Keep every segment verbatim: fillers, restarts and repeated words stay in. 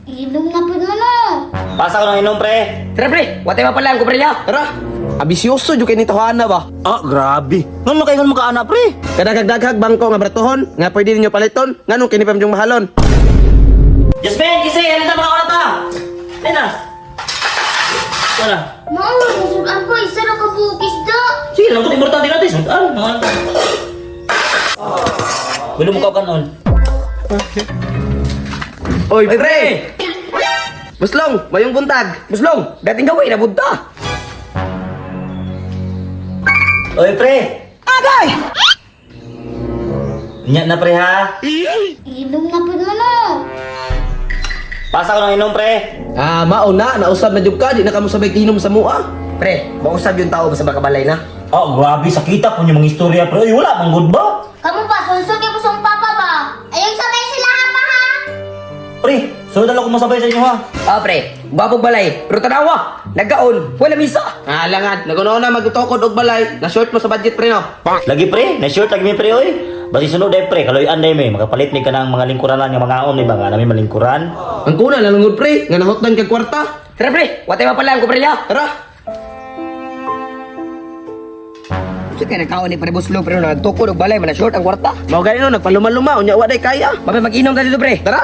Inom na po mo no. Pasa ko ng inom, pre. Tara pre, wate pa pala ang kumpre niya. Tara, abisyoso jud kay ni Tohana ba? Ah, grabe. Ngano kayo nga makaana, pre? Kadagag-daghag bangko nga bratuhon, nga pwede ninyo paliton, nganong kini pa yung mahalon. Jasmine, kisi, ano na mga orata? Ayun na. Ito na. Mau, musudan ko. Isa na kabukis da. Sige lang, kung importante natin. Sundan, mga Wilong mo ka kanon. Oy, pre! Buslong, mayong buntag. Buslong, dating gawin na bunta. Oy, pre. Agay! Nya na, pre, ha? Inom na po mo no. Pasa ko ng inom, pre. Ah, mauna, nausab na jud ka, di na kamo sabay kinom sa mua. Pre, mausab yung tao sa bakabalay na. Oh, grabe, sakita po yung mga istorya, pre. Uy, wala, manggod ba? Kamu pa, sunsun kay kusong papa ba? Ayong sabay sila ha pa ha. Pre, sunod lang ako masabay sa inyo, ha? Ah pre, babog balay, pero tanawa, nagkaon, wala misa. Ah, langan, nagunaw na magtukod og balay, na short mo sa budget pre no. Lagi, pre. Na-short lagi mi, pre, oy. Basi sunod, eh, pre. Kaloyan, day, may. Makapalit ni ka ng mga lingkuran lang, yung mga on, di ba? Nga namin malingkuran. Ang kuna lalungod pre, nga nahotdan kag kwarta. Tara pre, wate pa pala ang kumpre niya. Tara. Kasi kaya nagkaon ni pre Buslong, pero nagtukod og balay, mana short ang kwarta. Mao gani no, nagpaluma-luma, unya wa day kaya. Mabay mag-inom ka dito pre. Tara.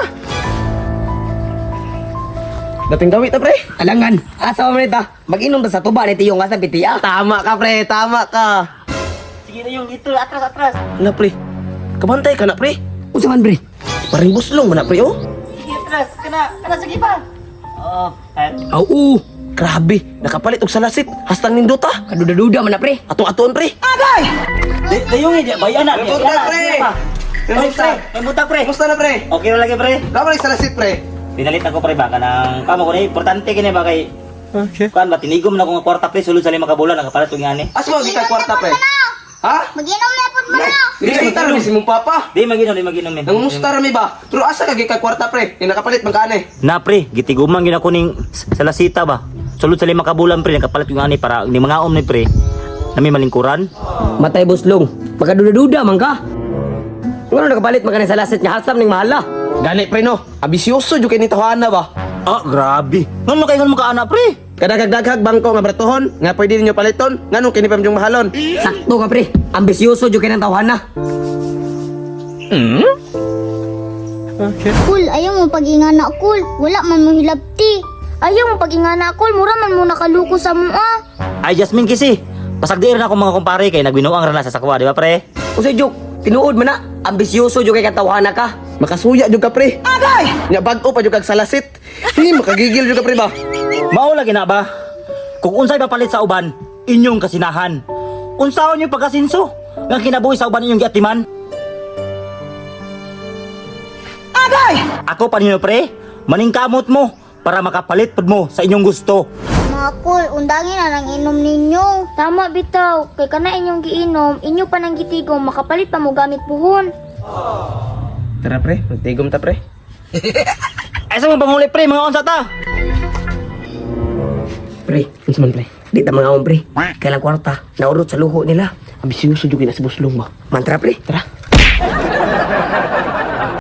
Dating gawit ta pre. Alangan, asa mo nita, mag-inom ta sa tuba ni Tiyong asa pitiya. Tama ka pre, tama ka. Sige na yung dito, atras, atras. Na pre. Kabantay ka na pre. Unsa man pre? Paring buslong man na pre oh. Sige, atras. Kana, kana, sige pa. Oo, kahit. Aw, oo. Grabe, nakapalit og salasit. Hastang nindota. Kaduda-duda man na pre. Atong-atoon pre. Day, dayong eh, bayan na. May buta, pre. May buta, may buta, pre. Kumusta na pre? Okay na lagi, pre. Kapalik salasit pre. Pinalit ako, pre, baka ng kamo ko na, importante kini ba kay. Okay. Kuan ba, tinigom na ko nga kwarta, pre, sulod sa lima kabulan, nakapalit ko nga ni. Asmo di ka kwarta pre. Ha? Mag-inom na po mo no. Dili sa taro si mong papa. Di maginom, di maginom min. Nangumusta ra mi ba? Pero asa ka kay kwarta pre? Ni nakapalit man kaane. Na, pre, gitiguman gina ko ning salasita ba. Sulod sa lima kabulan, pre, nakapalit ko nga ni para ni mga om ni, pre. Nami malingkuran. Matay Buslong, makaduda-duda man ka. Ngano nakapalit man ka ni sa lasit niya hasam ning mahala. Gani pre no. Abisyoso jud kay ni Tohana ba? Ah, grabe. Ngano kayo nga makaana, pre? Kadagag-daghag bangko nga bratuhon, nga pwede ninyo paliton, nganong kini pa yung mahalon. Sakto ka pre, ambisyoso jud kay nang tawhana. Cool, ayaw mo pag-ingana cool. Wala man mo hilabti. Ayaw mo pag-ingana cool. Mura man mo nakaluko sa mua. Ay, Jasmine, kisi. Pasagdiir na ako mga kumpare kay nagbinuang rana sa sakwa, di ba, pre? Usa jud, tinuod man na, ambisyoso jud kay katawhana ka. Makasuya jud ka pre. Agay! Nya bag-o pa jud kag salasit. Hi, makagigil jud ka pre ba? Mao lagi na ba? Kung unsay papalit sa uban, inyong kasinahan. Unsaon yung pagkasinso nga kinabuhi sa uban inyong giatiman? Agay! Ako pa ninyo, pre, maningkamot mo para makapalit pud mo sa inyong gusto. Mga cool, undangin na lang inom ninyo. Tama bitaw, kay kana inyong giinom, inyo pa nang gitigom, makapalit pa mo gamit puhon. Tara pre, magtigom ta pre. Ay sa mga panguli, pre, mga unsa ta? Pre, unsa man pre? Di ta mga om pre. Kailang kwarta, naurot sa luho nila. Abisyoso jud kay na si Buslong ba? Mantra pre. Tara.